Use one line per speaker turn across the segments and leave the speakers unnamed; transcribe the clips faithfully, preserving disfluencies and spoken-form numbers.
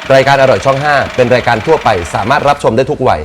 รายการอร่อยช่องห้าเป็นรายการทั่วไปสามารถรับชมได้ทุกวัย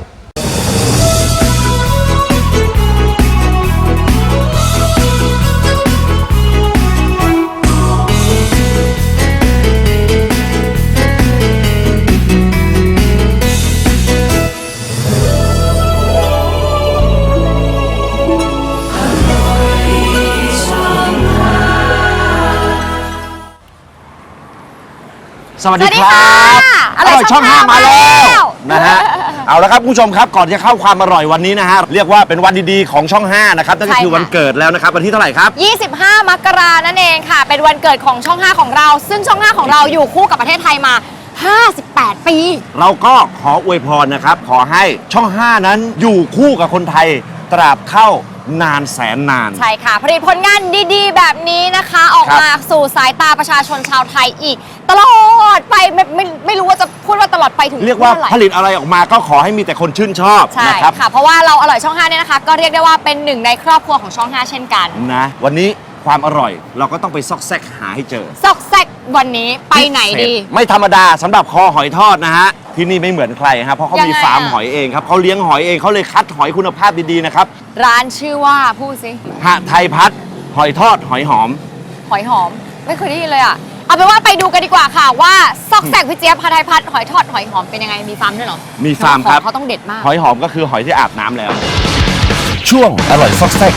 สวัสดีครับอร่อยช่องห้ามาแล้วนะฮะเอาละครับคุณผู้ชมครับก่อนจะเข้าความอร่อยวันนี้นะฮะเรียกว่าเป็นวันดีๆของช่องห้านะครับนั่นก็คือวันเกิดแล้วนะครับวันที่เท่าไหร่ครับ
ยี่สิบห้ามกรานั่นเองค่ะเป็นวันเกิดของช่องห้าของเราซึ่งช่องห้าของเราอยู่คู่กับประเทศไทยมาห้าสิบแปดปี
เราก็ขออวยพรนะครับขอให้ช่องห้านั้นอยู่คู่กับคนไทยตราบเท่านานแสนนาน
ใช่ค่ะผลิตผลงานดีๆแบบนี้นะคะออกมาสู่สายตาประชาชนชาวไทยอีกตลอดไปไม่ไม่ไม่รู้ว่าจะพูดว่าตลอดไปถึง
เรียกว่าผลิตอะไรออกมาก็ขอให้มีแต่คนชื่นชอบ
ใช่ค่ะเพราะว่าเราอร่อยช่องห้าเนี่ยนะคะก็เรียกได้ว่าเป็นหนึ่งในครอบครัวของช่องห้าเช่นกัน
นะวันนี้ความอร่อยเราก็ต้องไปซอกแซกหาให้เจอ
ซอกแซกวันนี้ไปไหนดี
ไม่ธรรมดาสำหรับคอหอยทอดนะฮะที่นี่ไม่เหมือนใครครับเพราะเขามีฟาร์มหอยเองครับเขาเลี้ยงหอยเองเขาเลยคัดหอยคุณภาพดีๆนะครับ
ร้านชื่อว่าพูดสิ
หะไทยพัฒน์หอยทอดหอยหอม
หอยหอมไม่เคยได้ยินเลยอ่ะเอาเป็นว่าไปดูกันดีกว่าค่ะว่าซอกแซกพี่เจี๊ยบหะไทยพัฒน์หอยทอดหอยหอมเป็นยังไงมีฟาร์มด้วยเหรอ
มีฟาร์มครับ
เขาต้องเด็ดมาก
หอยหอมก็คือหอยที่อาบน้ำแล้ว
ช่วงอร่อยซอกแซก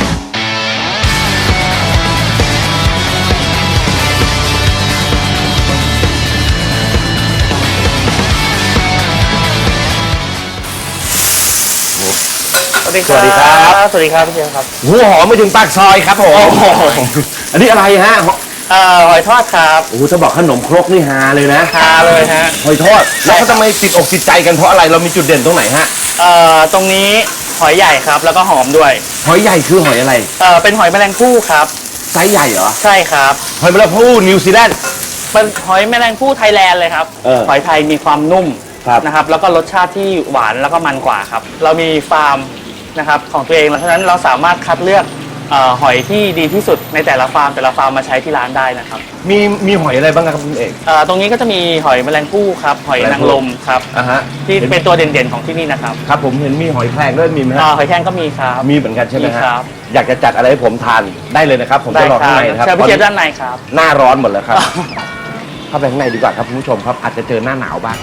สวัสดีครับ
สวัสดีครับพี่เจมส์ครับ
หัวหอมไปถึงปากซอยครับผมอันนี้อะไรฮะ
เอ่อหอยทอดครับ
โอ้โหจะบอกขนมครกนี่ฮาเลยนะ
ฮาเลยฮะ
หอยทอดแล้วเขาทำไมติดอกติดใจกันเพราะอะไรเรามีจุดเด่นตรงไหนฮะ
เอ่อตรงนี้หอยใหญ่ครับแล้วก็หอมด้วย
หอยใหญ่คือหอยอะไร
เอ่อเป็นหอยแมลงภู่ครับ
ไซส์ใหญ่เหรอ
ใช่ครับ
หอยแมลงภู่นิวซีแลนด์
เป็นหอยแมลงภู่ไทยแลนด์เลยครับหอยไทยมีความนุ่มนะครับแล้วก็รสชาติที่หวานแล้วก็มันกว่าครับเรามีฟาร์มนะครับของตัวเองเพราะฉะนั้นเราสามารถคัดเลือกหอยที่ดีที่สุดในแต่ละฟาร์มแต่ละฟาร์มมาใช้ที่ร้านได้นะครับ
มีมีหอยอะไรบ้างครับคุณเอก
ตรงนี้ก็จะมีหอยแมลงภู่ครับหอยนางรมครับที่เป็นตัวเด่นๆของที่นี่นะครับ
ครับผมเห็นมีหอยแครงด้วยมีไหม
หอยแครงก็มีครับ
มีเหมือนกันใช่ไหม
ครับ
อยากจะจัดอะไรให้ผมทานได้เลยนะครับผมจะรอข้างในนะครับ
เชิญพี่เจี๊ยบด้านในครับ
หน้าร้อนหมดแล้วครับเข้าไปข้างในดีกว่าครับคุณผู้ชมครับอาจจะเจอหน้าหนาวบ้าง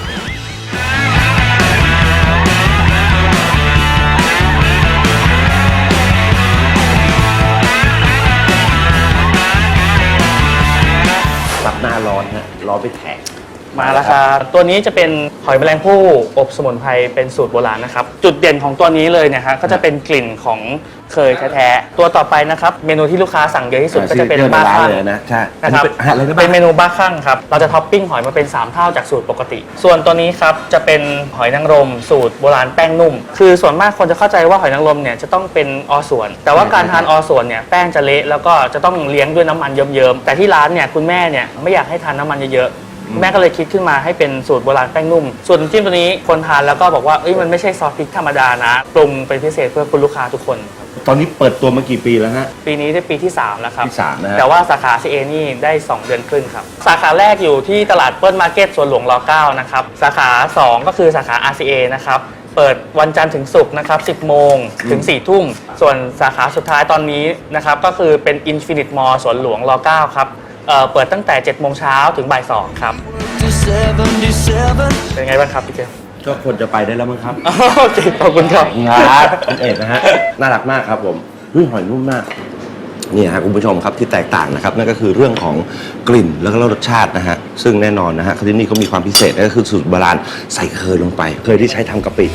รับหน้าร้อนฮะร้อนไปแทก
มาแล้วครับตัวนี้จะเป็นหอยแมลงภู่อบสมุนไพรเป็นสูตรโบราณนะครับจุดเด่นของตัวนี้เลยเนี่ยฮะก็จะเป็นกลิ่นของเคยแท้ๆตัวต่อไปนะครับเมนูที่ลูกค้าสั่งเยอะที่สุดก็จะเป็นบ้าคั่ง
เลยนะใช่
นะครับเป็นเมนูบ้าคั่งครับเราจะท็อปปิ้งหอยมาเป็นสามเท่าจากสูตรปกติส่วนตัวนี้ครับจะเป็นหอยนางรมสูตรโบราณแป้งนุ่มคือส่วนมากคนจะเข้าใจว่าหอยนางรมเนี่ยจะต้องเป็นอส่วนแต่ว่าการทานอส่วนเนี่ยแป้งจะเละแล้วก็จะต้องเลี้ยงด้วยน้ำมันเยิ้มๆแต่ที่ร้านเนี่ยคุณแม่เนี่ยไม่อยากให้ทานน้ำมันเยอะแม่ก็เลยคิดขึ้นมาให้เป็นสูตรโบราณแป้งนุ่มส่วนจิ้มตัวนี้คนทานแล้วก็บอกว่าเอ้ยมันไม่ใช่ซอสพริกธรรมดานะปรุงเป็นพิเศษเพื่อคุณลูกค้าทุกคน
ตอนนี้เปิดตัวมากี่ปีแล้วฮะ
ปีนี้ได้ปีที่สามแล้วครับ
ที่สามนะ
แต่ว่าสาขา ซี เอ นี่ได้สองเดือนครึ่งครับสาขาแรกอยู่ที่ตลาดเปิ้ลมาร์เก็ตสวนหลวงรเก้านะครับสาขาสองก็คือสาขา อาร์ ซี เอ นะครับเปิดวันจันทร์ถึงศุกร์นะครับสิบโมงถึงสี่ทุ่มส่วนสาขาสุดท้ายตอนนี้นะครับก็คือเป็น Infinite Mall สวนหลวงรเก้าครับเปิดตั้งแต่เจ็ดโมงเช้าถึงบ่ายสองครับเป็นไงบ้างครับพี่เจมส์
ก็ควรจะไปได้แล้วมั้งครับ
โอเคขอบคุณครับ
ครับคุณเอกนะฮะน่ารักมากครับผมรุ่ยหอยนุ่มมากนี่ฮะคุณผู้ชมครับที่แตกต่างนะครับนั่นก็คือเรื่องของกลิ่นแล้วก็รสชาตินะฮะซึ่งแน่นอนนะฮะที่นี่เขามีความพิเศษนั่นก็คือสูตรโบราณใส่เคยลงไปเคยที่ใช้ทำกะปิ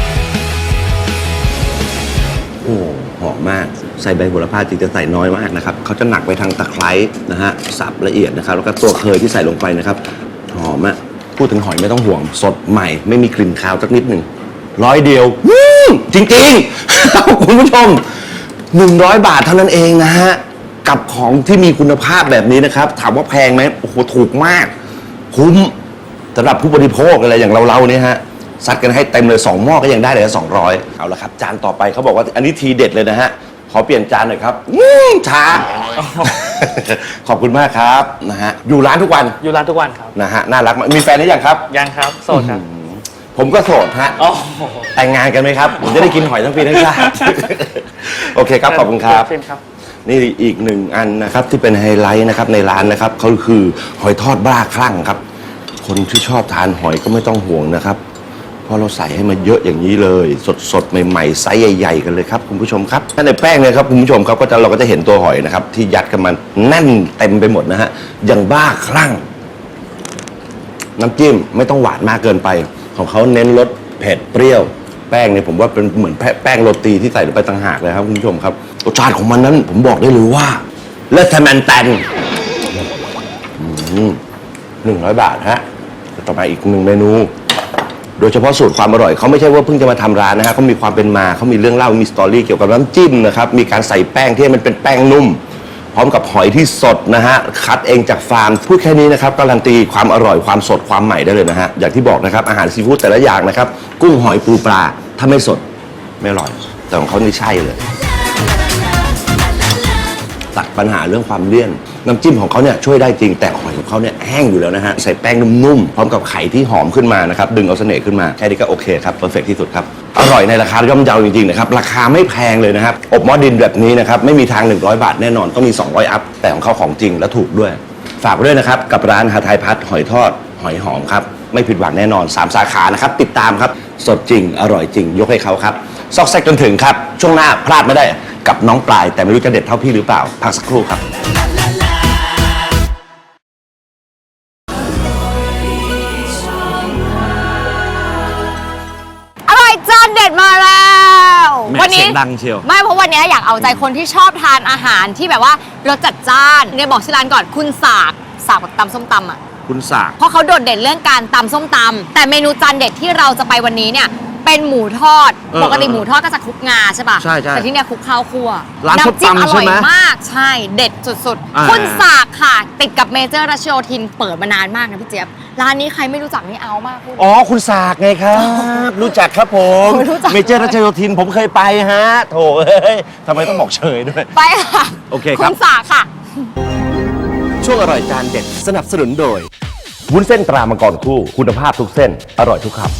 โอ้หอมมากใส่ใบโหระพาจริงจะใส่น้อยมากนะครับเขาจะหนักไปทางตะไคร้นะฮะสับละเอียดนะครับแล้วก็ตัวเคยที่ใส่ลงไปนะครับหอมอะพูดถึงหอยไม่ต้องห่วงสดใหม่ไม่มีกลิ่นคาวสักนิดหนึ่งร้อยเดียวจริงๆคุณผู้ชมหนึ่งร้อยบาทเท่านั้นเองนะฮะกับของที่มีคุณภาพแบบนี้นะครับถามว่าแพงไหมโอ้โหถูกมากคุ้มสำหรับผู้บริโภคอะไรอย่างเราๆเนี่ยฮะซัดกันให้เต็มเลยสองหม้อก็ยังได้เลยสองร้อยเอาละครับจานต่อไปเขาบอกว่าอันนี้ทีเด็ดเลยนะฮะขอเปลี่ยนจานหน่อยครับช้าขอบคุณมากครับนะฮะอยู่ร้านทุกวัน
อยู่ร้านทุกวันครับ
นะฮะน่ารักมากมีแฟนหรือยังครับ
ยังครับโสดครับ
ผมก็โสดฮะ
อ๋อ
แต่งงานกันไหมครับ ผมจะได้กินหอยทั้งปีทั้งชาติ โอเคครับ ขอบคุณครับ
เช่นครับ
นี่อีกหนึ่งอันนะครับที่เป็นไฮไลท์นะครับในร้านนะครับเขาคือหอยทอดบ้าคลั่งครับ คนที่ชอบทานหอยก็ไม่ต้องห่วงนะครับเพราะเราใส่ให้มันเยอะอย่างนี้เลย สดๆใหม่ๆไซส์ใหญ่ๆกันเลยครับคุณผู้ชมครับถ้าในแป้งเนี่ยครับคุณผู้ชมครับก็จะเราก็จะเห็นตัวหอยนะครับที่ยัดกันมันแน่นเต็มไปหมดนะฮะอย่างบ้าคลั่ง น้ำจิ้มไม่ต้องหวานมากเกินไป ของเขาเน้นรสเผ็ดเปรี้ยว แป้งเนี่ยผมว่าเป็นเหมือนแป้งโรตีที่ใส่ลงไปต่างหากเลยครับคุณผู้ชมครับรสชาติของมันนั้นผมบอกได้เลยว่าเลสเทมันแตนหนึ่งร้อยบาทฮะต่อมาอีกหนึ่งเมนู โดยเฉพาะสูตรความอร่อยเขาไม่ใช่ว่าเพิ่งจะมาทำร้านนะฮะเขามีความเป็นมาเขามีเรื่องเล่ามีสตอรี่เกี่ยวกับน้ำจิ้มนะครับมีการใส่แป้งที่มันเป็นแป้งนุ่ม พร้อมกับหอยที่สดนะฮะคัดเองจากฟาร์มพูดแค่นี้นะครับการันตีความอร่อยความสดความใหม่ได้เลยนะฮะอย่างที่บอกนะครับอาหารซีฟู้ดแต่ละอย่างนะครับกุ้งหอยปูปลาถ้าไม่สดไม่อร่อยแต่ของเขานี่ใช่เลยตัดปัญหาเรื่องความเลี่ยนน้ำจิ้มของเขาเนี่ยช่วยได้จริงแต่หอยของเขาเนี่ยแห้งอยู่แล้วนะฮะใส่แป้งนุ่มๆพร้อมกับไข่ที่หอมขึ้นมานะครับดึงเอาเสน่ห์ขึ้นมาแค่นี้ก็โอเคครับเพอร์เฟกที่สุดครับอร่อยในราคาย่อมเยาจริงๆนะครับราคาไม่แพงเลยนะครับอบหม้อดินแบบนี้นะครับไม่มีทางหนึ่งร้อยบาทแน่นอนต้องมีสองร้อยอัพแต่ของเขาของจริงและถูกด้วยฝากไว้ด้วยนะครับกับร้านหาไทยพัฒน์หอยทอดหอยหอมครับไม่ผิดหวังแน่นอนสามสาขานะครับติดตามครับสดจริงอร่อยจริงยกให้เขาครับซอกแซกจนถึงครับช่วงหน้าพลาดไม่ได้กับน้องปลายแต่ไม่รู้จะเด็ดเท่าพี่หรือเปล่าพักสักครู่ครับ
อร่อยจานเด็ดมาแล้ว
แหม่
วันี้
เสียงดังเชียว
ไม่เพราะวันนี้อยากเอาใจคนที่ชอบทานอาหารที่แบบว่ารสจัดจ้านเนี่ยบอกชื่อร้านก่อนคุณสากสากแบบตำส้มตำอ่ะ
คุณสาก
เพราะเขาโดดเด่นเรื่องการตำส้มตำแต่เมนูจานเด็ดที่เราจะไปวันนี้เนี่ยเป็นหมูทอด
เออ
ปกติหมูทอดก็จะคลุกงาใช่ป่ะ
ใช่ใช่
แต่ที่เนี่ยคลุกข้าวคั่ว
ร้านส้ม
น้ำจิ้ม
ตำ
อ
ใช่
ร่อย
ไหม
มากใช่เด็ดสุด
อ่า
ๆ คุณสากค่ะ ติดกับเมเจอร์รัชโยธินเปิดมานานมากนะพี่เจี๊ยบร้านนี้ใครไม่รู้จักนี่เอามากพูด
อ๋อคุณสากไงครับ รู้จักครับผม
รู้จัก
เมเจอร์รัชโยธินผมเคยไปฮะโถเอ้ยทำไมต้องบอกเฉยด้วย
ไปค่ะ
โอเคครับ
คุณสากค่ะ
ช่วงอร่อยจานเด็ดสนับสนุนโดยวุ้นเส้นตรามังกรคู่คุณภาพทุกเส้นอร่อยทุกคำ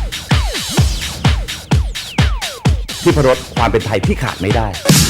ที่พรสความเป็นไทยที่ขาดไม่ได้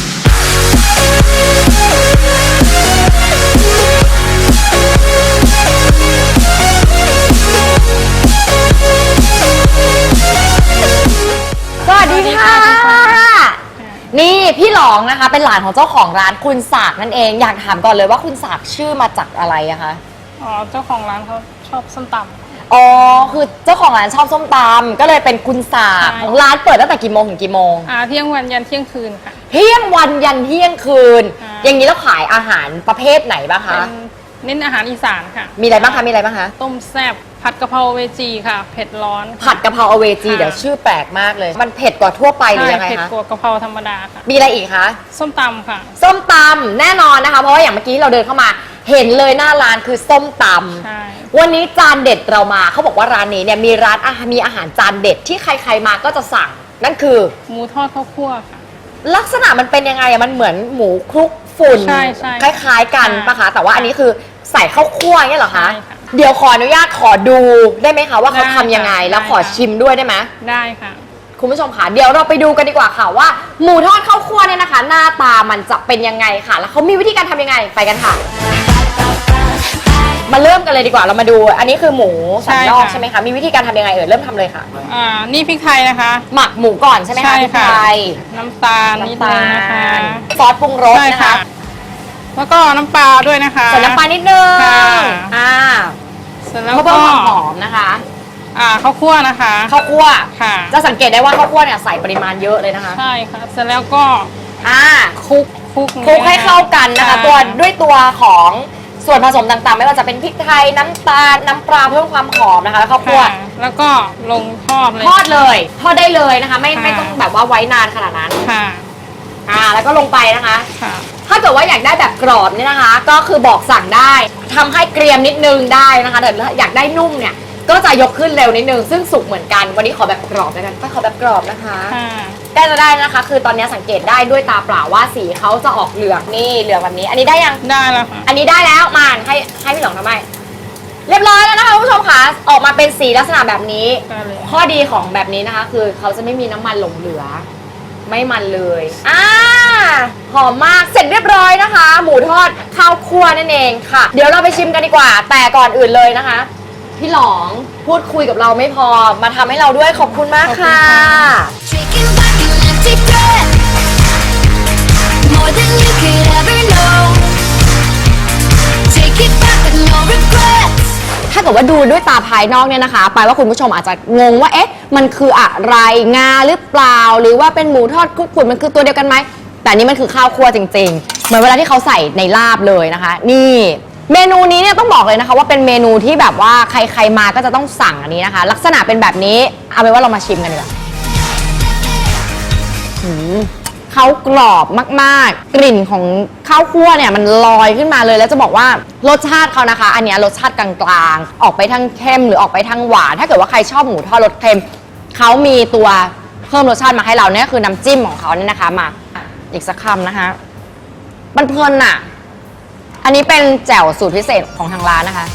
สวัสดีค่ะ นี่พี่หลองนะคะ เป็นหลานของเจ้าของร้านคุณสากนั่นเอง อยากถามก่อนเลยว่าคุณสากชื่อมาจากอะไรอะคะ
อ๋อ เจ้าของร้านเขาชอบส้มตำ
อ๋อ คือเจ้าของร้านชอบส้มตำก็เลยเป็นคุณสาก
ใช่
ร้านเปิดตั้งแต่กี่โมงถึงกี่โมง
อ่าเที่ยงวันยันเที่ยงคืนค่ะ
เที่ยงวันยันเที่ยงคืน
อ่า
อย่างนี้แล้วขายอาหารประเภทไหนบ้างคะ
เป็นเน้นอาหารอีสานค่ะ
มีอะไรบ้างคะ มีอะไรบ้างคะ
ต้มแซ่บผัดกะเพราเวจีค่ะ เผ็ดร้อนค่ะ
ผัดกะเพราอเวจี
ค่ะ
เดี๋ยวชื่อแปลกมากเลย มันเผ็ดกว่าทั่วไปหรือ
ใช่
ยังไง
เผ็ด
คะ
กว่ากะเพราธรรมดาค่ะ
มีอะไรอีกคะ
ส้มตำค่ะ
ส้มตำแน่นอนนะคะ เพราะว่าอย่างเมื่อกี้เราเดินเข้ามา เห็นเลยหน้าร้านคือส้มตำ
ใช่
วันนี้จานเด็ดเรามาเขาบอกว่าร้านนี้เนี่ยมีร้านอาหารมีอาหารจานเด็ดที่ใครๆมาก็จะสั่ง นั่นคือ
หมูทอดข้าวคั่วค่ะ
ลักษณะมันเป็นยังไงอะมันเหมือนหมูคลุกฝุ่น
ใช่ใช่
คล้ายๆกัน
ค่ะ
ปะคะแต่ว่าอันนี้คือใส่ข้าวคั่วอย่างเงี้ยเหรอคะ
ใช่ค่ะ
เดี๋ยวขออนุญาตขอดูได้ไหมคะว่าเขา
ได้
ทำยังไง
ค่ะ
แล้วขอ
ได้ค่ะ
ชิมด้วยได้ไหม
ได้ค่ะ
คุณผู้ชมค่ะเดี๋ยวเราไปดูกันดีกว่าค่ะว่าหมูทอดข้าวคั่วเนี่ยนะคะ หน้าตามันจะเป็นยังไงค่ะ แล้วเขามีวิธีการทำยังไงไปกันค่ะ มาเริ่มกันเลยดีกว่าเรามาดู อันนี้คือหมูสันนอก
ใช่ค่ะ
ใช่ไหมคะมีวิธีการทำยังไงเอ่ยเริ่มทำเลยค่ะ
อ่า นี่พริกไทยนะคะ
หมักหมูก่อนใช่ไหมคะ
ใช่
พริก
ค่ะ
ไทย
น้ำตาลนิด
น้ำ
นึ
ตาง
นะคะ
ลซอสปรุงรส
ใช่
นะ
ค่ะ
คะ
แล้วก็น้ำปลาด้วยนะคะ
ใส่น้ำปลานิดนึง
ค่ะ
อ่า
เสร็จแล้ว
เพื่อ
ก็
เพิ่มความหอมนะคะ
อ่าข้าวคั่วนะคะ
ข้าวคั่ว
ค่ะ
จะสังเกตได้ว่าข้าวคั่วเนี่ยใส่ปริมาณเยอะเลยนะคะ
ใช่ค่ะ เสร็จแล้วก็
อ่า
คลุกคลุก
คลุกให้เข้ากันนะคะ
ใช่
ตัวด้วยตัวของส่วนผสมต่างๆ ไม่ว่าจะเป็นพริกไทยน้ำตาลน้ำปลาเพิ่มความหอมนะคะ แล้วข้าวคั่ว
ค่ะแล้วก็ลงทอดเลย
ทอดเลยทอดได้เลยนะคะ ไม่
ค่ะ
ไม่ต้องแบบว่าไว้นานขนาดนั้น
ค่ะ
อ่าแล้วก็ลงไปนะคะ
ค่ะ
ถ้าเกิดว่าอยากได้แบบกรอบเนี่ยนะคะ ก็คือบอกสั่งได้ทำให้เกรียมนิดนึงได้นะคะแต่ถ้าอยากได้นุ่มเนี่ยก็จะยกขึ้นเร็วนิดนึงซึ่งสุกเหมือนกันวันนี้ขอแบบกรอบแล้วกันไปขอแบบกรอบนะคะ
ค่ะ
ได้จะได้นะคะ คือตอนนี้สังเกตได้ด้วยตาเปล่าว่าสีเขาจะออกเหลืองนี่เหลืองแบบนี้ อันนี้ได้ยัง
ได้แล้วค่ะ
อันนี้ได้แล้วมานให้ให้พี่หลองทำไมเรียบร้อยแล้วนะคะคุณผู้ชมค่ะออกมาเป็นสีลักษณะแบบนี้
ได้เลย
ข้อดีของแบบนี้นะคะ คือเขาจะไม่มีน้ำมันหลงเหลือ ไม่มันเลยอ่าหอมมากเสร็จเรียบร้อยนะคะ หมูทอดข้าวคั่วนั่นเองค่ะ เดี๋ยวเราไปชิมกันดีกว่า แต่ก่อนอื่นเลยนะคะ พี่หลองพูดคุยกับเราไม่พอมาทำให้เราด้วยขอบคุณมากค่ะ
Drinking back an empty threat, more than you could ever know. Take it back with no regrets.
ถ้าเกิดว่าดูด้วยตาภายนอกเนี่ยนะคะแปลว่าคุณผู้ชมอาจจะงงว่าเอ๊ะมันคืออะไรงาหรือเปล่า หรือว่าเป็นหมูทอดคลุกฝุ่นมันคือตัวเดียวกันไหมแต่นี่มันคือข้าวคั่วจริงๆเหมือนเวลาที่เขาใส่ในลาบเลยนะคะ นี่เมนูนี้เนี่ยต้องบอกเลยนะคะว่าเป็นเมนูที่แบบว่าใครๆมาก็จะต้องสั่งอันนี้นะคะ ลักษณะเป็นแบบนี้เอาเป็นว่าเรามาชิมกันดีกว่าหืมเขากรอบมากๆ กลิ่นของข้าวคั่วเนี่ยมันลอยขึ้นมาเลยแล้วจะบอกว่ารสชาติเขานะคะ อันเนี้ยรสชาติกลางๆออกไปทางเค็มหรือออกไปทางหวานถ้าเกิดว่าใครชอบหมูทอดรสเค็มเขามีตัวเพิ่มรสชาติมาให้เราเนี่ยคือน้ำจิ้มของเขาเนี่ยนะคะมาอีกสักคำนะคะมันเพลินอะอันนี้เป็นแจ่วสูตรพิเศษของทางร้านนะคะ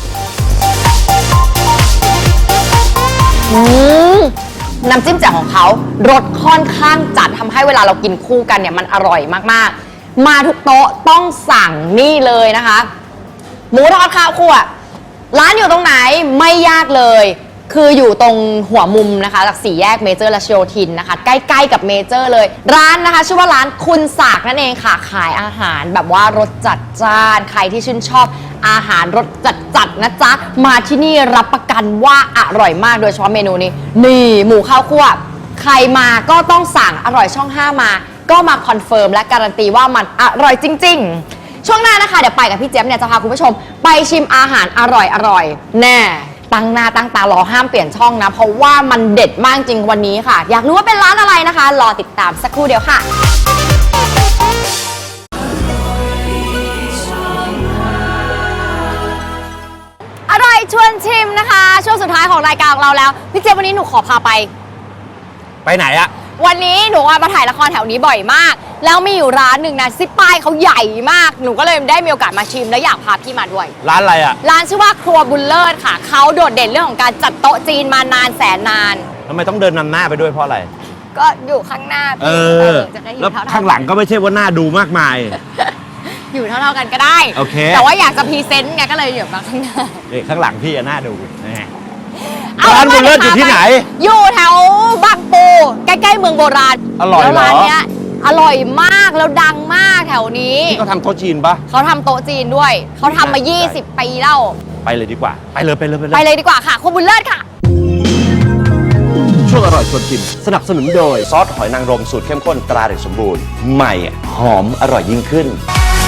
อืมน้ำจิ้มแจ่วของเขารสค่อนข้างจัดทำให้เวลาเรากินคู่กันเนี่ยมันอร่อยมากๆมาทุกโต๊ะต้องสั่งนี่เลยนะคะหมูทอดข้าวคั่วร้านอยู่ตรงไหนไม่ยากเลยคืออยู่ตรงหัวมุมนะคะจากสี่แยกเมเจอร์และชโยธินนะคะใกล้ๆกับเมเจอร์เลยร้านนะคะชื่อว่าร้านคุณสากนั่นเองค่ะขายอาหารแบบว่ารสจัดจ้านใครที่ชื่นชอบอาหารรสจัดๆนะจ๊ะมาที่นี่รับประกันว่าอร่อยมากโดยเฉพาะเมนูนี้นี่หมูข้าวคั่วใครมาก็ต้องสั่งอร่อยช่องห้ามาก็มาคอนเฟิร์มและการันตีว่ามันอร่อยจริงๆช่วงหน้านะคะเดี๋ยวไปกับพี่เจี๊ยบเนี่ยจะพาคุณผู้ชมไปชิมอาหารอร่อยๆแน่ตั้งหน้าตั้งตารอห้ามเปลี่ยนช่องนะเพราะว่ามันเด็ดมากจริงวันนี้ค่ะอยากรู้ว่าเป็นร้านอะไรนะคะรอติดตามสักครู่เดียวค่ะอร่อยชวนชิมนะคะช่วงสุดท้ายของรายการของเราแล้วพี่เจี๊ยบวันนี้หนูขอพาไป
ไปไหนอะ
วันนี้หนูมาถ่ายละครแถวนี้บ่อยมากแล้วมีอยู่ร้านหนึ่งนะซิป้ายเขาใหญ่มากหนูก็เลยได้มีโอกาสมาชิมและอยากพาพี่มาด้วย
ร้านอะไรอะ
ร้านชื่อว่าครัวบุญเลิศค่ะเขาโดดเด่นเรื่องของการจัดโต๊ะจีนมานานแสนนาน
ทำไมต้องเดินนำหน้าไปด้วยเพราะอะไร
ก็อยู่ข้างหน้า
เอ
พี่
อ
จะได้อยู่
แล้ว
เท่าๆ
ข้างหลังก็ไม่ใช่ว่าหน้าดูมากมาย
อยู่เท่าๆกันก็ได้
โอเค
แต่ว่าอยากจะพรีเซนต์ไงก็เลยอยู่มาข้างหน้า
นี่ข้างหลังพี่อะหน้าดูนะฮะ
เอา
ร้านบุญเลิศอยู่ที่ไหน
อยู่แถวบางปูใกล้ๆเมืองโบราณ
อร่อยเหรอ
แล้วร้านเนี้ยอร่อยมากแล้วดังมากแถวนี้
ที่เขาทำโต๊ะจีนปะ
เขาทำโต๊ะจีนด้วย เขาทำมา ยี่สิบ ปีแล้ว
ไปเลยดีกว่า ไปเลยไปเลยไปเลย
ไปเลยดีกว่าค่ะ คุณบุญเลิศค่ะ
ช่วงอร่อยชวนชิมสนับสนุนโดยซอสหอยนางรมสูตรเข้มข้นตราเด็กสมบูรณ์ใหม่หอมอร่อยยิ่งขึ้น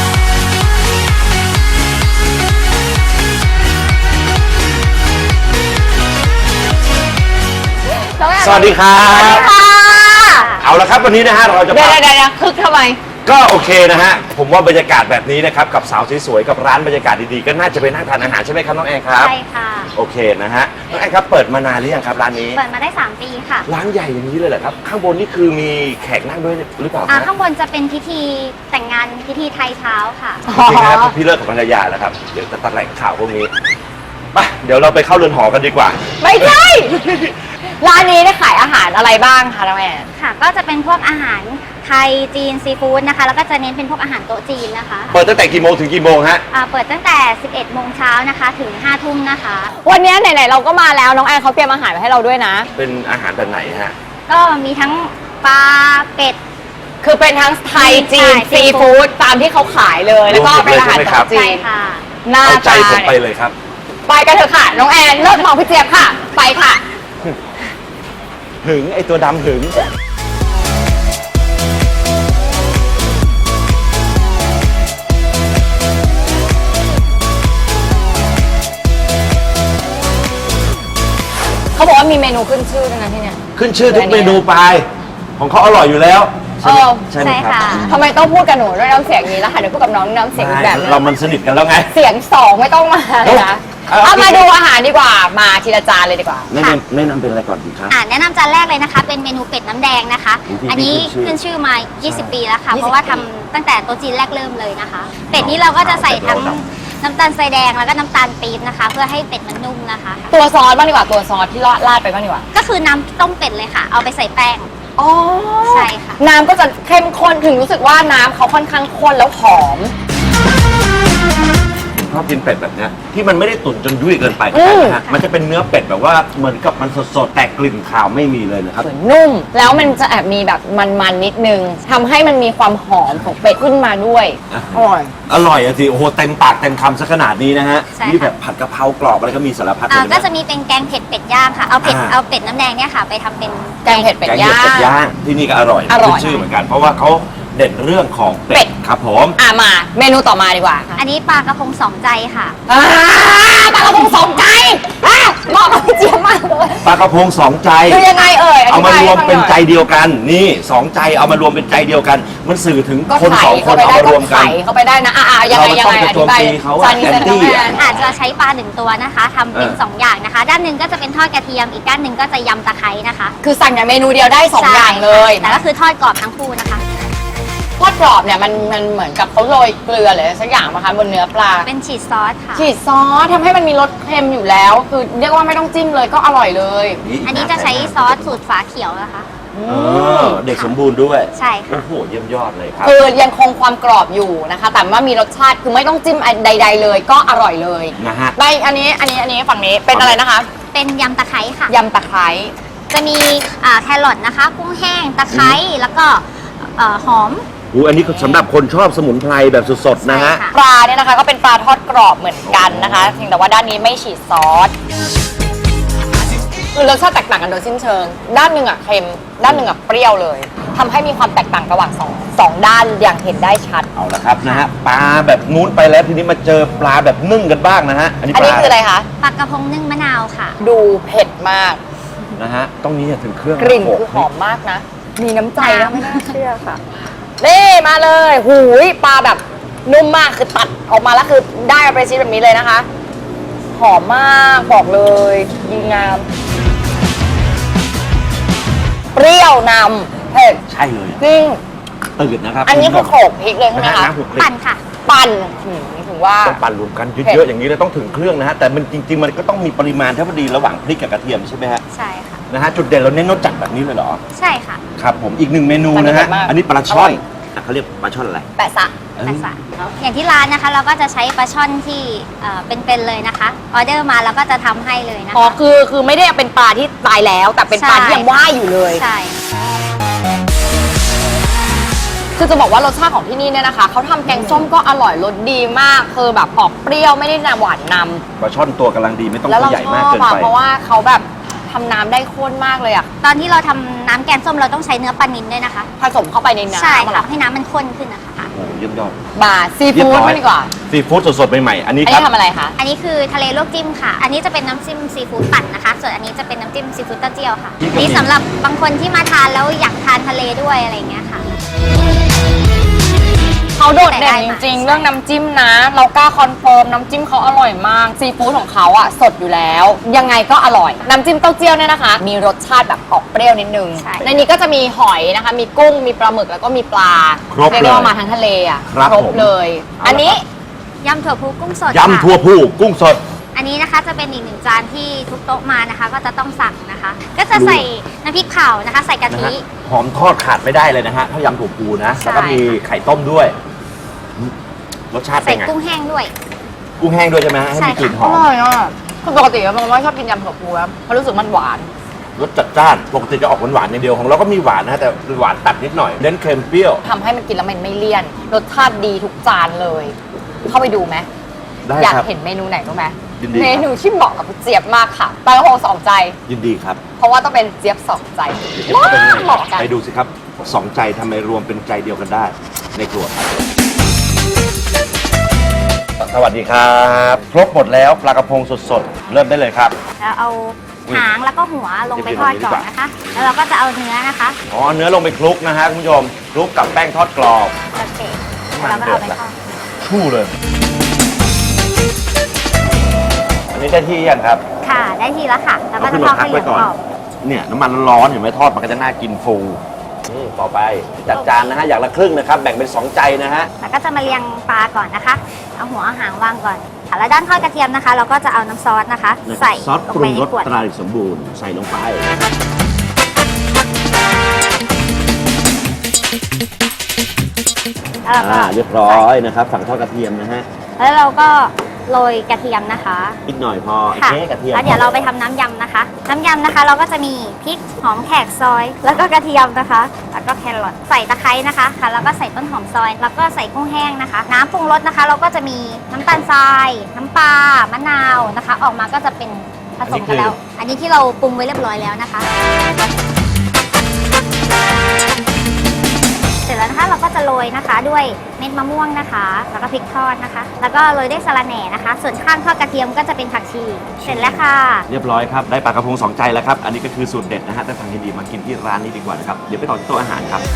สวัสดีครับ
สวัสดีค่ะ
เอาละครับวันนี้นะฮะเราจะ
เดี๋ยว
พา
เดี๋ยวเดี๋ยวคึกทำไม
ก็โอเคนะฮะผมว่าบรรยากาศแบบนี้นะครับกับสาวสวยๆกับร้านบรรยากาศดีๆก็น่าจะไปนั่งทานอาหารใช่ไหมครับน้องแอนครับ
ใช่ค่ะ
โอเคนะฮะน้องแอนครับเปิดมานานหรือยังครับร้านนี้
เปิดมาได้ สาม ปีค่ะ
ร้านใหญ่อย่างนี้เลยเหรอครับข้างบนนี่คือมีแขกนั่งด้วยหรือเปล่า
อ่า
ฮะ
ข้างบนจะเป็นพิธีแต่งงานพิธีไทยเช้าค่ะ
โอเคครับพี่เลิศกับภรรยาแล้วครับเดี๋ยวจะตัดแหล่งข่าวพวกนี้ไปเดี๋ยวเราไปเข้าเรือนหอกันดีกว่า
ไม่ใช่ ร้านนี้ได้ขายอาหารอะไรบ้างคะน้องแอน
ค่ะ ก็จะเป็นพวกอาหารไทยจีนซีฟู้ดนะคะ แล้วก็จะเน้นเป็นพวกอาหารโต๊ะจีนนะคะ
เปิดตั้งแต่กี่โมงถึงกี่โมงฮะ
อ่าเปิดตั้งแต่ สิบเอ็ด โมงเช้านะคะ ถึง ห้า ทุ่มนะคะ
วันนี้ไหนๆเราก็มาแล้วน้องแอนเขาเตรียมอาหารมาให้เราด้วยนะ
เป็นอาหารแบบไหนฮะ
ก็มีทั้งปลาเป็ด
คือเป็นทั้งไทยจีน
ใช่
ซีฟู้ดตามที่เขาขายเลย แล้วก็เป็นอาหาร
รวมหมดเลยใช่ไหมครับ
จี
ใช่
น
ค่ะ
หน้า
เอาใจ
ตา
ผมไปเลยครับ
ไปกันเถอะค่ะ น้องแอนเลิศมองพี่เจี๊ยบค่ะ ไปค่ะ
หึงไอตัวดำหึง
เขาบอกว่ามีเมนูขึ้นชื่อด้วยนะที่เนี่ย
ขึ้นชื่อทุกเมนูไป ของเขาอร่อยอยู่แล้ว
ใช่ไหม
เออ
ใช่ไหมครับ
ใช่ค่ะ
ทำไมต้องพูดกับหนูด้วยน้ำเสียงนี้แล้วค่ะเดี๋ยวพูดกับน้องน้ำเสียงอีกแบบนึง
เรามันสนิทกันแล้วไง
เสียงสองไม่ต้องมาเลยนะ
เอา
เอามา
เอา
ดูอาหารดีกว่ามาทีละจานเลยดีกว่า
แนะนำแนะนำเป็นอะไรก่อนดีครับ
อ่าแนะนำจานแรกเลยนะคะ เป็นเมนูเป็ดน้ำแดงนะคะ
อุ๊ย
อันนี้
ขึ้นชื่อ
ขึ้นชื่อมา ยี่สิบ ปีแล้วค่ะ
ยี่สิบ
เพราะว่าทำตั้งแต่โต๊ะจีนแรกเริ่มเลยนะคะ เป็ดนี้เราก็จะใส่ทั้งน้ำตาลทรายแดงแล้วก็น้ำตาลปี๊บนะคะ เพื่อให้เป็ดมันนุ่มนะคะ
ตัวซอสบ้างดีกว่าตัวซอสที่ราดไปบ้างดีกว่า
ก็คือน้ำต้มเป็ดเลยค่ะ เอาไปใส่แป้ง
อ๋อ
ใช่ค่ะ
น้ำก็จะเข้มข้นถึงรู้สึกว่าน้ำเขาค่อนข้างข้นแล้วหอม
ชอบกินเป็ดแบบเนี้ยที่มันไม่ได้ตุ๋นจนยุ่ยเกินไป
อืม
นะฮะมันจะเป็นเนื้อเป็ดแบบว่าเหมือนกับมันสดๆแต่กลิ่นคาวไม่มีเลยนะครับ
เหมือนนุ่ม แล้วมันจะแอบมีแบบมันๆนิดนึงทำให้มันมีความหอมของเป็ดขึ้นมาด้วย
อ่ะ
อร่อย
อร่อยอะสิโอ้โหเต็มปากเต็มคำซะขนาดนี้นะฮะ
ใช่ค่ะ
นี่แบบผัดกะเพรากรอบอะไรก็มีสารพัดเล
อ่าย
น
ก็จะมีเป็นแกงเผ็ดเป็ดย่างค่ะ เอาเผ็ด
อ่า
เอาเป็ดน้ำแดงเนี่ยค่ะ ไปทำเป็น
แกงเผ็ดเป็ด
แกง
ย่า
เห็ดเป็ด
ง
ย่างที่นี่ก็อร่อย
อร่อย
ขึ้นชื่อเหมือนกัน เพราะว่าเขาเด่นเรื่องของ
เป็
เป็
ด
ดครับผม
อ่ะมาเมนูต่อมาดีกว่าค่ะ
อันนี้ปลากระพงสองใจค่ะ
อ่าปลากระพงสองใจอ่ะเหมาะกับพี่เจี๊ยบมากเลย
ปลากระพงสองใจ
คือยังไงเอ่ย
เอามารวมเป็นใจ
อธิบายให้ฟังหน่อย
เดียวกัน นี่สองใจเอามารวมเป็นใจเดียวกัน มันสื่อถึง
ก็
คน
ไข่
สองคน
เข้าไป
เอา
ได้
มาร
ก็
วมกัน
ไข่เข้าไปได้นะอ่ะอ่ะยังไงยังไง
เรา
อ
ต้องไปโจม
ธิบาย
ตีเขาอะ
จานนี้
แอ
เป็น น
ตี้
แม
อะ
น
อาจจะใช้ปลาหนึ่งตัวนะคะทำเป็น
เออ
สองอย่างนะคะ ด้านหนึ่งก็จะเป็นทอดกระเทียม อีกด้านหนึ่งก็จะยำตะไคร้นะคะ
คือสั่งอย่างเมนูเดียวได้สอง
ใช่
อย่างเลย
แต่ก็คือทอดกรอบทั้งคู่นะคะ
ทอดกรอบเนี่ยมันมันเหมือนกับเขาโรยเกลือหรืออะไรสักอย่างนะคะบนเนื้อปลา
เป็นฉีดซอสค่ะ
ฉีดซอสทำให้มันมีรสเค็มอยู่แล้ว คือเรียกว่าไม่ต้องจิ้มเลยก็อร่อยเลย
อันนี้จะใช้ซอสสูตรฝาเขียวนะคะ
เออเด็กสมบูรณ์ด้วย
ใช่ค่ะ
โอ้โหเยี่ยมยอดเลยครับ
คือยังคงความกรอบอยู่นะคะ แต่ว่ามีรสชาติคือไม่ต้องจิ้มใด ๆ เลยก็อร่อยเลย
นะฮะ
ไปอันนี้อันนี้อันนี้ฝั่งนี้เป็นอะไรนะคะ
เป็นยำตะไคร้ค่ะ
ยำตะไคร้
จะมีอ่าแครอทนะคะ กุ้งแห้ง ตะไคร้ แล้วก็เอ่อหอม
อู้อันนี้สำหรับคนชอบสมุนไพรแบบสดๆนะฮะ
ใช่ค่ะ
ปลาเนี่ยนะคะก็เป็นปลาทอดกรอบเหมือนกันนะคะเพียงแต่ว่าด้านนี้ไม่ฉีดซอสคือรสชาติแตกต่างกันโดยสิ้นเชิง ด้านหนึ่งอ่ะเค็มด้านหนึ่งอ่ะเปรี้ยวเลยทำให้มีความแตกต่างระหว่างสองสองด้านอย่างเห็นได้ชัด
เอาละครับนะฮะปลาแบบนู้นไปแล้วทีนี้มาเจอปลาแบบนึ่งกันบ้างนะฮะ อันนี้
อัน
ป
นี้
ลา
คืออะไรคะ
ปลากระพงนึ่งมะนาวค่ะ
ดูเผ็ดมาก
นะฮะต้องนี้ถึงเครื่อง
กลิ่น
โข
คือหอมมากนะ มีน้ำใจนะไม่น่าเชื่อค่ะนี่มาเลย หูยปลาแบบนุ่มมากคือตัดออกมาแล้วคือได้เอาไปชิ้นแบบนี้เลยนะคะ หอมมากบอกเลยดีงาม เปรี้ยวนำเผ็ด
ใช่เลย
จริง
ตื่นนะครับ
อันนี้คือโขลกพริกเลยใช่ไหม
นะฮะ
คะ
น้ำหุกพริก
ปั่นค่ะ
ปั่นหืมถึงว่า
ต้องปั่นรวมกัน
เผ็ด
เยอะๆอย่างนี้เลยต้องถึงเครื่องนะฮะแต่มันจริงๆมันก็ต้องมีปริมาณเท่าพอดีระหว่างพริกกับกระเทียมใช่ไหมฮะ
ใช่ค่ะ
นะฮะจุดเด่นเราเน้นรสจัดแบบนี้เลยเหรอ
ใช่ค่ะ
ครับผมอีกหนึ่งเมนู
มัน
นะ
เผ็
ฮะ
ดมาก
อันนี้ปลาช่
อร่
อ
อน ย
อ่ะเขาเรียกปลาช่อนอะไร
แปะซะ
แปะสะอย่างที่ร้านนะคะ เราก็จะใช้ปลาช่อนที่เอ่อเป็นๆเลยนะคะ ออเดอร์มาเราก็จะทำให้เลยนะคะ
อ๋อคือคือไม่ได้เป็นปลาที่ตายแล้ว แต่เป็นปลา
ใช่
ที่ยังว่ายอยู่เลย
ใช่
คือจะบอกว่ารสชาติของที่นี่เนี่ยนะคะเขาทำแกงส้มก็อร่อยรสดีมากคือแบบออกเปรี้ยวไม่ได้หวานนำ
ปลาช่อนตัวกำลังดีไม่ต้อง
แล้ว
ตัว
เรา
ใหญ่
ช
มาก
อบ
เกิน
อะ
ไป
เพราะว่าเขาแบบทำน้ำได้ข้นมากเลยอะ
ตอนที่เราทำน้ำแกงส้มเราต้องใช้เนื้อปลานิลด้วยนะคะ
ผสมเข้าไปในน้ำ
ใช่
เหร
ค่ะ
อ
ให้น้ำมันข้นขึ้นนะคะ
โอ้โหเยี่ยมยอด
บาซีฟู้ดไม่ดีกว่า
ซีฟู้ดสดๆใหม่ๆอันนี้
อัน
ครั
นี้
บ
ทำอะไรคะ
อันนี้คือทะเลลวกจิ้มค่ะ อันนี้จะเป็นน้ำจิ้มซีฟู้ดปั่นนะคะ ส่วนอันนี้จะเป็นน้ำจิ้มซีฟู้ดเต้าเจี้ยวค่ะ
นี่ก็มี
นี่สำหรับบางคนที่มาทานแล้วอยากทานทะเลด้วยอะไรอย่างเงี้ยค่ะ
เขาโดดเด่นจริงๆ เรื่องน้ำจิ้มนะ เรากล้าคอนเฟิร์มน้ำจิ้มเขาอร่อยมากซีฟู้ดของเขาอะสดอยู่แล้ว ยังไงก็อร่อย น้ำจิ้มเต้าเจี้ยวเนี่ยนะคะ มีรสชาติแบบออกเปรี้ยวนิดนึง
ใช่
ในนี้ก็จะมีหอยนะคะ มีกุ้งมีปลาหมึกแล้วก็มีปลา
ครบ
เรียก
เล
ได้
ย
ว่ามาทั้งทะเลอะ
ครับผม
เลย
เอาละ
อันนี้
ยำถั่วพูกุ้งสด
ยำทั่ว
ค่ะ
ผู้กุ้งสด
อันนี้นะคะจะเป็นอีกหนึ่งจานที่ทุกโต๊ะมานะคะ ก็จะต้องสั่งนะคะ ก็จะใส่น้ำพริกเผานะคะ ใส่กะ
นะ
ทิ
ฮะหอมทอดขาดไม่ได้เลยนะฮะถ้ายำถั่วพูนะ
ใช่
แล้วก็มีไข่ต้มด้วยอืมรสชาติเป็
ใส่
นไง
กุ้งแห้งด้วย
กุ้งแห้งด้วยใช่ไหมฮะให้
ใช่
มีกลิ่นห
อ
อม
ร่อยอ่ะคือปกติมันไม่ชอบกินยำถั่วพูแล้วเพราะรู้สึกมันหวาน
รสจัดจ้านปกติจะออกหวานๆอย่างเดียวของเราก็มีหวานนะฮะแต่หวานตัดนิดหน่อยเน้นเค็มเปรี้ยว
ทำให้มันกินแล้วมันไม่เลี่ยน รสชาติดีทุกจานเลย เข้าไปดูไหม
ได้
อยาก
ครับ
เห็นเมนูไหนรู้ไหม
ยินดีครับ
เมนูที่เหมาะกับเจี๊ยบมากค่ะปลากระพงสองใจ
ยินดีครับ
เพราะว่าต้องเป็นเจี๊ยบสองใจ
เดี๋ยวเข้าไปข้างใน
เหมาะกัน
ไปดูสิครับสองใจทำไมรวมเป็นใจเดียวกันได้ในครัวครับสวัสดีครับ ครบหมดแล้วปลากระพงสดๆ เริ่มได้เลยครับ
แล้วเอาหางแล้วก็หัวลงไปทอดก่อนนะคะ แล้วเราก็จะเอาเนื้อนะคะ
อ๋อเนื้อลงไปคลุกนะฮะคุณผู้ชมคลุกกับแป้งทอดกรอบ
โอเคแล้วเราก็เอาไปทอด
ชู่เลย อันนี้ได้ที่ยังครับ
ค่ะได้ทีแล้วค่ะ แล้วก็จะทอดให้เหลืองกรอบ
เนี่ยน้ำมันร้อนๆเห็นไหมทอดมันก็จะน่ากินฟูอืมต่อไปจัดจานนะฮะอย่างละครึ่งนะครับแบ่งเป็นสองใจนะฮะ
แล้วก็จะมาเรียงปลาก่อนนะคะ เอาหัวเอาหางวางก่อนค่ะแล้วด้านทอดกระเทียมนะคะ เราก็จะเอาน้ำซอสนะคะ ใส่
ซอส
ล
ป
ง
รุ
ไป
ง
ใน
รส
ขวด
ตราเด็กสมบูรณ์ใส่ลงไป
แล้วเราก็
อ่าเรียบร้อยนะครับฝั่งทอดกระเทียมนะฮะ
แล้วเราก็โรยกระเทียมนะคะ
นิดหน่อยพอ
ค่ะ
เอ๊ะกระเทียม
แล้วเดี๋ยวเราไปทำน้ำยำนะคะ น้ำยำนะคะ เราก็จะมีพริกหอมแขกซอย แล้วก็กระเทียมนะคะ แล้วก็แครอทใส่ตะไคร้นะคะค่ะแล้วก็ใส่ต้นหอมซอย แล้วก็ใส่กุ้งแห้งนะคะ น้ำปรุงรสนะคะ เราก็จะมีน้ำตาลทราย น้ำปลามะนาวนะคะ ออกมาก็จะเป็นผสมกันแล้ว อันนี้ที่เราปรุงไว้เรียบร้อยแล้วนะคะ เสร็จแล้วนะคะเราก็จะโรยนะคะด้วยเม็ดมะม่วงนะคะ แล้วก็พริกทอดนะคะ แล้วก็โรยด้วยสะระแหน่นะคะ ส่วนข้างทอดกระเทียมก็จะเป็นผักชี เสร็จแล้วค่ะ
เรียบร้อยครับได้ปลากระพงสองใจแล้วครับอันนี้ก็คือสูตรเด็ดนะฮะแต่ทางยินดีมากินที่ร้านนี้ดีกว่านะครับเดี๋ยวไปต่อที่โต๊ะอาหารครับ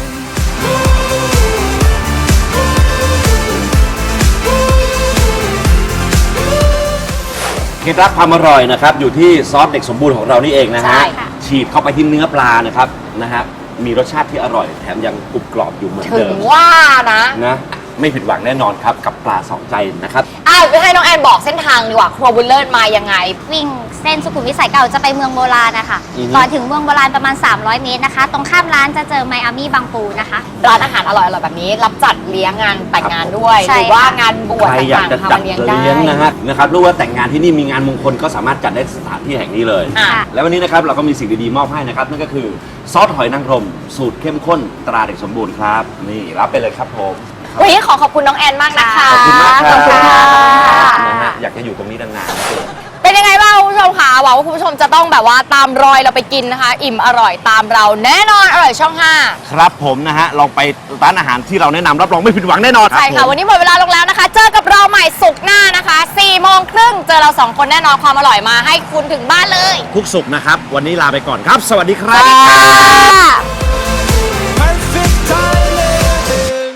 เคล็ดลับความอร่อยนะครับอยู่ที่ซอสเด็กสมบูรณ์ของเรานี่เองนะ
ใช่
ฮะ
ค่ะ
ฉีดเข้าไปที่เนื้อปลานะครับนะฮะมีรสชาติที่อร่อยแถมยังกรุบกรอบอยู่เหมือน
ถึ
เดิ
ง
ม
ว่านะ
นะไม่ผิดหวังแน่นอนครับกับปลาสองใจนะครับ
อ่ะไปให้น้องแอนบอกเส้นทางดีกว่าครัวบุญเลิศมายังไง
วิ่งเส้นสุขุมวิทสายเก่าจะไปเมืองโบราณนะคะ
อือฮึ
ก่อนถึงเมืองโบราณประมาณ สามร้อย เมตรนะคะ ตรงข้ามร้านจะเจอไมอามี่บางปูนะคะ
ร้านอาหารอร่อยๆแบบนี้ รับจัดเลี้ยงงานแต่งงานด้วย
ใช่
หรือว่างานบวช
ใครอยาก
ต่าง
จะ
ๆ
จัด
ทำเลี้ยง
เลี้ยง
ได้
นะฮะนะครับรู้ว่าแต่งงานที่นี่มีงานมงคลก็สามารถจัดได้สถานที่แห่งนี้เลย
อ่ะ
แล้ววันนี้นะครับเราก็มีสิ่งดีๆมอบให้นะครับนั่นก็คือซอสหอยนางรมสูตรเข้มข้นตราเด็กสมบูรณ์ครับนี่รับไปเลยครับผม
วันนี้ขอขอบคุณน้องแอนมากนะคะ
ขอบคุณมากครับ
ขอบคุณค่ะ
นะฮะอยากจะอยู่ตรงนี้นานๆ
เป็นยังไงบ้างคุณผู้ชมคะหวังว่าคุณผู้ชมจะต้องแบบว่าตามรอยเราไปกินนะคะ อิ่มอร่อยตามเราแน่นอนอร่อยช่องห้า
ครับผมนะฮะลองไปร้านอาหารที่เราแนะนำรับรองไม่ผิดหวังแน่นอน
ใช่ค่ะ วันนี้หมดเวลาลงแล้วนะคะ เจอกับเราใหม่สุกร์หน้านะคะสี่โมงครึ่งเจอเราสองคนแน่นอนความอร่อยมาให้คุณถึงบ้านเลย
ทุกสุขนะครับ วันนี้ลาไปก่อนครับ สวัสดีครั
สวัสดี
บ
ค่ะ